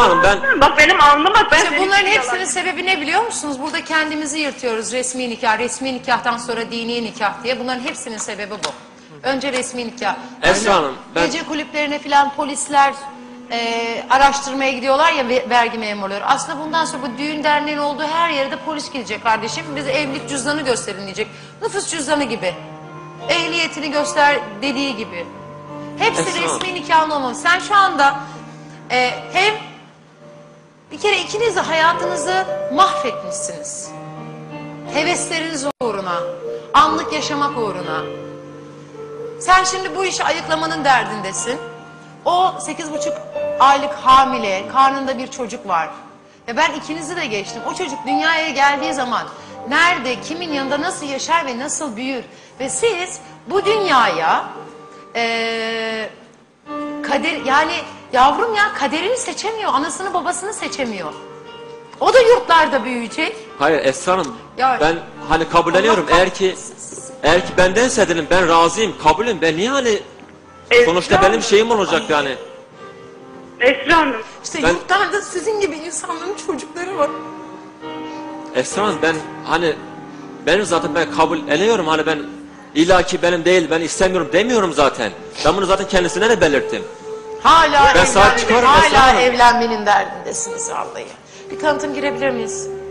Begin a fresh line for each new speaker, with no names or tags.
Hanım ben...
Bak benim alnım bak.
İşte bunların hepsinin sebebi ne biliyor musunuz? Burada kendimizi yırtıyoruz, resmi nikah, resmi nikahtan sonra dini nikah diye. Bunların hepsinin sebebi bu. Önce resmi nikah.
Esra Hanım ben...
Gece kulüplerine filan polisler araştırmaya gidiyorlar ya, vergi memurları. Aslında bundan sonra bu düğün derneğin olduğu her yere de polis gidecek kardeşim. Bize evlilik cüzdanı gösterin diyecek. Nüfus cüzdanı gibi. Ehliyetini göster dediği gibi. Hepsi
Esra Hanım.
resmi nikahın olmalı. Sen şu anda hem bir kere ikiniz de hayatınızı mahvetmişsiniz. Hevesleriniz uğruna, anlık yaşamak uğruna. Sen şimdi bu işi ayıklamanın derdindesin. O 8,5 aylık hamile, karnında bir çocuk var. Ya ben ikinizi de geçtim. O çocuk dünyaya geldiği zaman nerede, kimin yanında nasıl yaşar ve nasıl büyür? Ve siz bu dünyaya kader, yani yavrum ya kaderini seçemiyor, anasını babasını seçemiyor. O da yurtlarda büyüyecek.
Hayır Esra Hanım
Ya,
ben hani kabulleniyorum.
Allah
Eğer ki bendense dedim ben razıyım, kabulüm. Ben niye hani sonuçta
Esra
benim şeyim olacak yani.
Esra Hanım.
İşte
Ben-
yurtlarda sizin gibi insanların çocukları var.
Esra Hanım ben hani benim zaten ben kabul ediyorum, hani ben illaki benim değil, ben istemiyorum demiyorum zaten. Ben bunu zaten kendisine de belirttim.
Hala
Ben sahip çıkarım Esra
hala
Hanım.
evlenmenin derdindesiniz vallahi. Bir tanıtım girebilir miyiz?